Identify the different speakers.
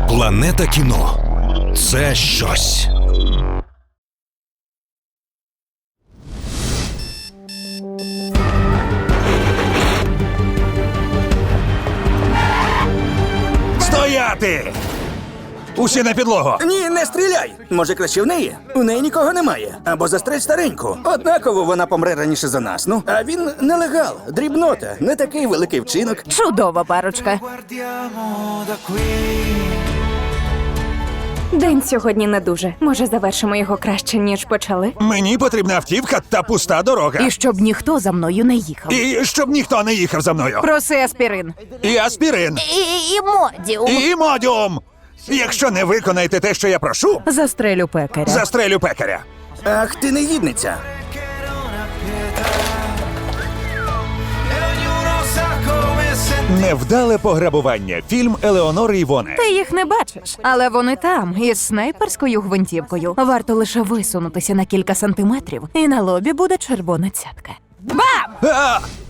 Speaker 1: Планета кіно – це щось.
Speaker 2: Стояти! Усі на підлогу!
Speaker 3: Ні, не стріляй! Може, краще в неї? У неї нікого немає. Або застрель стареньку. Однаково вона помре раніше за нас. Ну, а він нелегал, дрібнота, не такий великий вчинок.
Speaker 4: Чудова парочка.
Speaker 5: Guardiamo da qui.
Speaker 6: День сьогодні не дуже. Може, завершимо його краще, ніж почали?
Speaker 2: Мені потрібна автівка та пуста дорога.
Speaker 4: І щоб ніхто за мною не їхав.
Speaker 2: І щоб ніхто не їхав за мною.
Speaker 4: Проси аспірин.
Speaker 2: І аспірин.
Speaker 4: І модіум.
Speaker 2: І модіум. Якщо не виконаєте те, що я прошу,
Speaker 4: Застрелю пекаря.
Speaker 2: застрелю пекаря.
Speaker 3: Ах, ти негідниця.
Speaker 5: E ognuno sa come sentire.
Speaker 2: Невдале пограбування. Фільм Елеонори Івоне.
Speaker 4: Ти їх не бачиш, але вони там, із снайперською гвинтівкою. Варто лише висунутися на кілька сантиметрів, і на лобі буде червона цятка. Бам!
Speaker 2: А!